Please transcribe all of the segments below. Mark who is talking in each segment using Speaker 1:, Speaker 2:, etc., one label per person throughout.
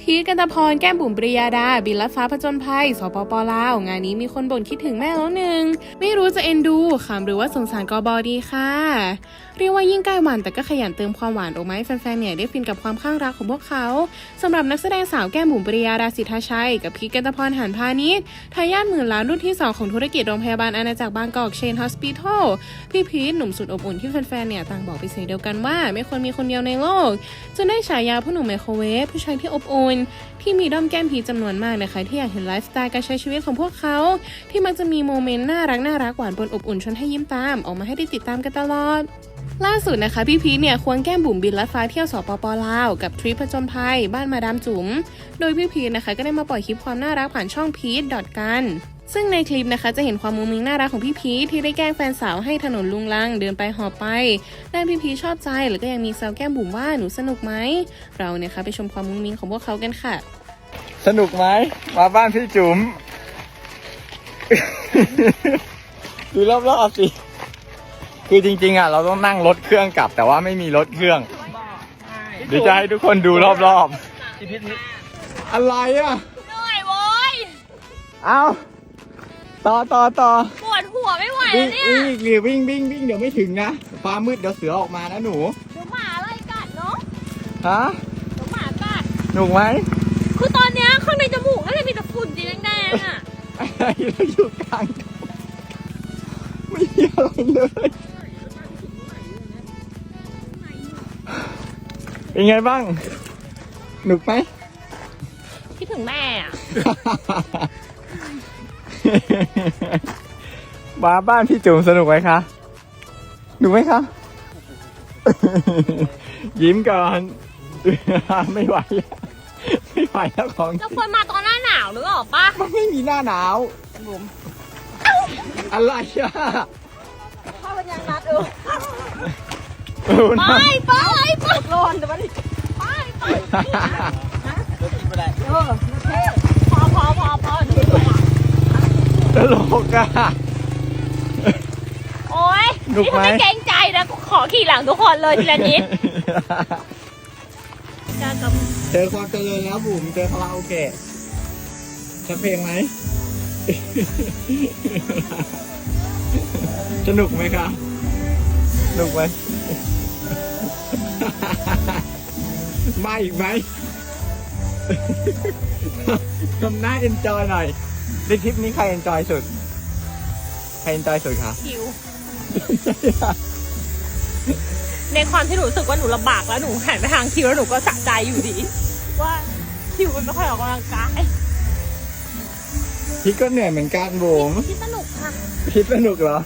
Speaker 1: พีท กันตพร แก้มบุ๋ม ปริยาดา บินลัดฟ้าผจญภัย สปป.ลาว งานนี้มีคนบ่นคิดถึงแม่แล้วหนึ่ง ไม่รู้จะเอ็นดูขำหรือว่าสงสารกบดีค่ะ เรียกว่ายิ่งใกล้วันแต่ก็ขยันเติมความหวานออกมาให้แฟนๆเนี่ยได้ฟินกับความข้างรักของพวกเขาสำหรับนักแสดงสาวแก้มบุ๋ม ปริยาดา สิทธาชัย กับพีท กันตพร หานพานิชทายาทหมื่นล้านรุ่นที่ 2 ของธุรกิจโรงพยาบาลอาณาจักรบางกอกเชนฮอสพิทอลพี่พีทหนุ่มสุดอบอุ่นที่แฟนๆเนี่ยต่างบอกเป็นเสียงเดียวกันว่าไม่ควรมีคนเดียวในโลกจนได้ฉายาผู้หนุ่มไมโครเวฟผู้ชายที่อบอุ่นที่มีด้อมแก้มพีทจำนวนมากนะคะที่อยากเห็นไลฟ์สไตล์การใช้ชีวิตของพวกเขาที่มักจะมีโมเมนต์น่ารักหวานปนอบอุ่นชวนให้ยิ้มตามออกมาให้ได้ติดตามกันตลอดล่าสุดนะคะพี่พีทเนี่ยควงแก้มบุ๋มบินลัดฟ้าเที่ยวสปป.ลาวกับทริปผจญภัยบ้านมาดามจุ๋มโดยพี่พีทนะคะก็ได้มาปล่อยคลิปความน่ารักผ่านช่องพีทกันซึ่งในคลิปนะคะจะเห็นความมุ้งมิ้งน่ารักของพี่พีทที่ได้แกล้งแฟนสาวให้ถนนลุงลังเดินไปหอบไปด้านพี่พีทชอบใจแล้วก็ยังมีแซวแก้มบุ๋มว่าหนูสนุกไหมเราเนี่ยค่ะไปชมความมุ้งมิ้งของพวกเขากันค่ะ
Speaker 2: สนุกไหมมาบ้านพี่จุ๋ม ดูรอบๆสิคือจริงๆอ่ะเราต้องนั่งรถเครื่องกลับแต่ว่าไม่มีรถเครื่องเดี๋ยวจะให้ทุกคนดูรอบๆอะไรอ่ะ
Speaker 3: เหนื่อยโว้ย
Speaker 2: เอาต่อ
Speaker 3: ปวดหัวไม่ไหวแล้วเนี่ย
Speaker 2: วิ่งเดี๋ยวไม่ถึงนะฟ้ามืดเดี๋ยวเสือออกมานะหนู
Speaker 3: เดี๋ยวหมาไล่กัดเนาะ
Speaker 2: ฮะ
Speaker 3: เดี๋ยวหมากัด
Speaker 2: หนุกไหม
Speaker 3: คือตอนเนี้ยข้างในจมูกน่าจะมีแต่ฝุ่นสีแดงๆอ่ะ
Speaker 2: อะไรเราอยู่กลางไม่มีอะไรเลยเป็นไงบ้างหนุกไหม
Speaker 3: คิดถึงแม่อ่ะ
Speaker 2: มาบ้านพี่จุ๋มสนุกไหมคะหนุกไหมคะยิ้มก่อนไม่ไหวแล้วของ
Speaker 3: เราควรมาตอนหน้าหนาวหรือเปล่าปะ
Speaker 2: มันไม่มีหน้าหนาวผมอะไรอ่ะ
Speaker 3: พ่อเป็นยังนัดไปร้อนแต่ว่าดิไปโอเคพอ
Speaker 2: ตลกอ่ะ
Speaker 3: โอ๊ยนี่ไม่เกรงใจนะขอขี่หลังทุกคนเลยทีละนิด
Speaker 2: เจอความเจริญแล้วบุ๋มเจอคาราโอเกะจะเพลงไหมสนุกไหมคะสนุกไหมมาอีกไหมทำหน้าเอนจอยหน่อยในทริปนี้ใครเอนจอยสุดคะ
Speaker 3: คิวในความที่หนูรู้สึกว่าหนูลำบากแล้วหนูหันไปทางคิวแล้วหนูก็สะใจอยู่ดีว่าคิวมันไม่ค่อยออกกำลังกาย
Speaker 2: พี่ก็เหนื่อยเหมือนกันบุ๋ม
Speaker 3: พี่สนุกค่ะ
Speaker 2: พี่สนุกเหรอ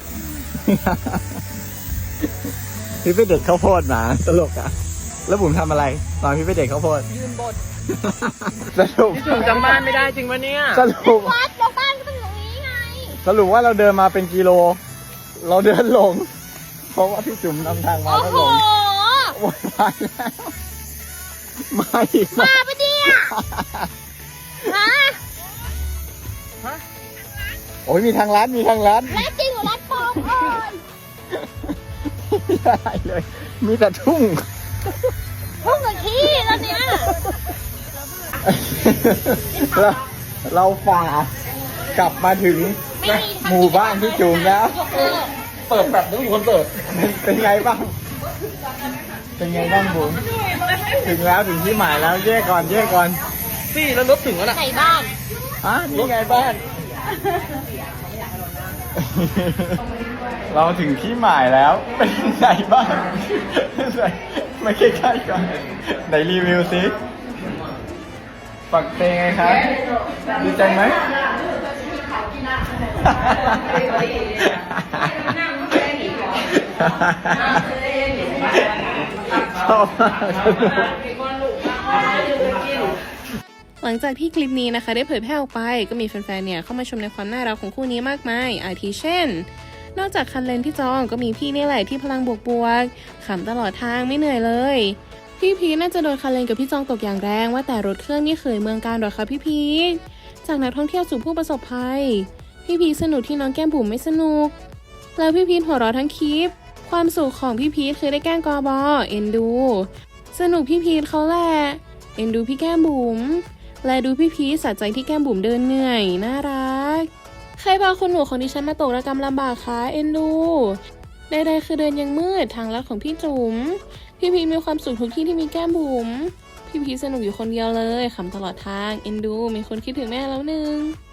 Speaker 2: พี่ไปเด็ดข้าวโพดมาตลกอ่ะแล้วบุ๋มทำอะไรตอนพี่ไปเด็ดข้าวโพด
Speaker 3: ยืนบน
Speaker 2: สรุป
Speaker 1: พี่จุ๋มจำบ้านไม่ได้จริงปะเนี่ย
Speaker 2: สรุป
Speaker 3: วัดแล้วบ้านก็เป็นตรงนี้ไง
Speaker 2: สรุปว่าเราเดินมาเป็นกิโลเราเดินหลงเพราะว่าพี่จุ๋มนำทางมาแล้วหลงโอ้ยมาแล้วมาอีก
Speaker 3: มาปะเนี่ยฮะ
Speaker 2: โอ้ยมีทางลัด
Speaker 3: จริงหรือลัดปลอม
Speaker 2: ไม่ได้เลยมีแต่ทุ่ง
Speaker 3: กับขี้แล้วเนี่ย
Speaker 2: เราฝ่ากลับมาถึงหมู่บ้านพี่จุ๋มแล้วเปิดแบบนี้คนเปิดเป็นไงบ้างบุ๋มถึงแล้วถึงที่หมายแล้วแยกก่อน
Speaker 1: พี่แล้วรถถึงแล้วนะ
Speaker 3: ไหนบ้าน
Speaker 2: นี่ไงบ้านเราถึงที่หมายแล้วเป็นไงบ้างมาใกล้ๆก่อนไหนรีวิวสิปักเตงไงครับดีใจไหมชอบมากสนุก
Speaker 1: หลังจากที่คลิปนี้นะคะได้เผยแพร่ออกไปก็มีแฟนๆเนี่ยเข้ามาชมในความน่ารักของคู่นี้มากมายอาทิเช่นนอกจากคันเลนที่จองก็มีพี่นี่แหละที่พลังบวกขำตลอดทางไม่เหนื่อยเลยพี่พีน่าจะโดนคันเลนกับพี่จองตกอย่างแรงว่าแต่รถเครื่องนี่เคยเมืองการหรอคะพี่พีจากนักท่องเที่ยวสู่ผู้ประสบภัยพี่พีสนุกที่น้องแก้มบุ๋มไม่สนุกแล้วพี่พีหัวเราะทั้งคลิปความสุขของพี่พีคือได้แกล้งกบเอ็นดูสนุกพี่พีเขาแหละเอ็นดูพี่แก้มบุ๋มและดูพี่พีชสะใจที่แก้มบุ๋มเดินเหนื่อยน่ารักใครพาคุณหนูของดิฉันมาตกระกำลำบากคะเอ็นดูใดๆคือเดินยังมืดทางลัดของพี่จุ๋มพี่พีชมีความสุขทุกที่ที่มีแก้มบุ๋มพี่พีชสนุกอยู่คนเดียวเลยขำตลอดทางเอ็นดูมีคนคิดถึงแม่แล้วหนึ่ง